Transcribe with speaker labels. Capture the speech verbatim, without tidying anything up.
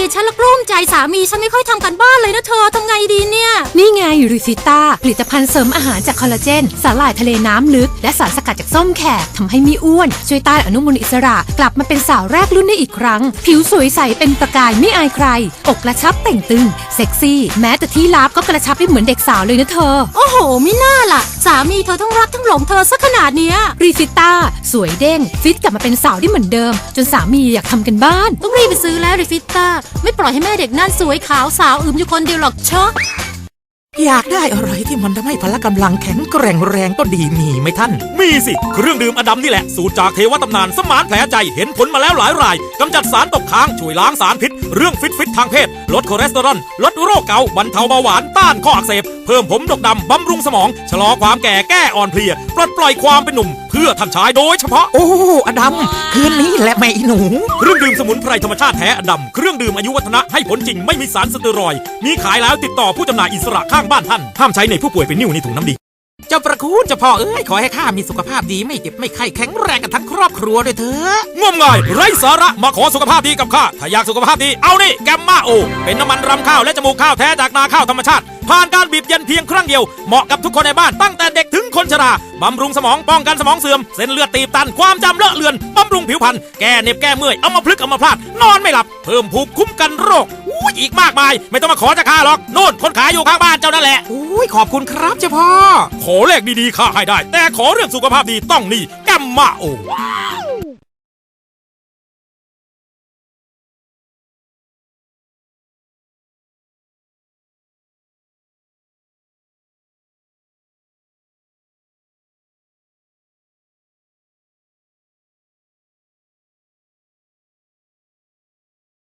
Speaker 1: ฉันละกลุ้มใจสามีฉันไม่ค่อยทำกันบ้านเลยนะเธอทำไงดีเนี่ย
Speaker 2: นี่ไงริซิต้าผลิตภัณฑ์เสริมอาหารจากคอลลาเจนสาหร่ายทะเลน้ำลึกและสารสกัดจากส้มแขกทำให้ไม่อ้วนช่วยต้านอนุมูลอิสระกลับมาเป็นสาวแรกรุ่นได้อีกครั้งผิวสวยใสเป็นประกายไม่อายใครอกกระชับเต่งตึงเซ็กซี่แม้แต่ที่ลับก็กระชับได้เหมือนเด็กสาวเลยนะเธอ
Speaker 1: โอ้โหไม่น่าล่ะสามีเธอทั้งรักทั้งหลงเธอซะขนาดเนี้ย
Speaker 2: ริซิต้าสวยเด้งฟิตกลับมาเป็นสาวได้เหมือนเดิมจนสามีอยากทำกันบ้าน
Speaker 1: ต้องรีบไปซื้อแล้วริฟิต้าไม่ปล่อยให้แม่เด็กนั่นสวยขาวสาวอึมอยู่คนเดียวหรอกเชอะ
Speaker 3: อยากได้อะไรที่มันทำให้พละกำลังแข็งแกร่งแรงก็ดีมีไหมท่าน
Speaker 4: มีสิเครื่องดื่มอดัมนี่แหละสูตรจากเทวตำนานสมานแผลใจเห็นผลมาแล้วหลายรายกำจัดสารตกค้างช่วยล้างสารพิษเรื่องฟิตฟิตทางเพศลดคอเลสเตอรอลลดโรคเกาต์บรรเทาเบาหวานต้านข้ออักเสบเพิ่มผมดกดำบำรุงสมองชะลอความแก่แก้อ่อนเพลียปลดปล่อยความเป็นหนุ่มเพื่อท่านชายโดยเฉพาะ
Speaker 3: โอ้อดัมคืนนี้แหละแม่อีหนู
Speaker 4: เครื่องดื่มสมุนไพรธรรมชาติแท้อดัมเครื่องดื่มอายุวัฒนะให้ผลจริงไม่มีสารสเตียรอยด์มีขายแล้วติดต่อผู้จำหน่ายอิสระข้างบ้านท่านห้ามใช้ในผู้ป่วยเป็นนิ่วในถุงน้ำดี
Speaker 3: เจ้าประคุณเจ้าพ่อเอ้ยขอให้ข้ามีสุขภาพดีไม่เจ็บไม่ไข้แข็งแรงกันทั้งครอบครัวด้วยเถอะ
Speaker 4: งมงายไร้สาระมาขอสุขภาพดีกับข้าถ้าอยากสุขภาพดีเอานี่แกมมาโอเป็นน้ำมันรำข้าวและจมูกข้าวแท้จากนาข้าวธรรมชาติผ่านการบีบเย็นเพียงครั้งเดียวเหมาะกับทุกคนในบ้านตั้งแต่เด็กถึงคนชราบำรุงสมองป้องกันสมองเสื่อมเส้นเลือดตีบตันความจำเลอะเลือนบำรุงผิวพรรณแก้เหน็บแก้เมื่อยเอามาพลึกเอามาพลาดนอนไม่หลับเพิ่มภูมิคุ้มกันโรคอู้อีกมากมายไม่ต้องมาขอจากข้าหรอกโน่นคนขายอยู่ข้างบ้านเจ้านั่นแหละ
Speaker 3: อุ้ยขอบคุณครับเจ้าพ่อ
Speaker 4: ขอเลขดีๆข้าให้ได้แต่ขอเรื่องสุขภาพดีต้องนี่แกมมาโอ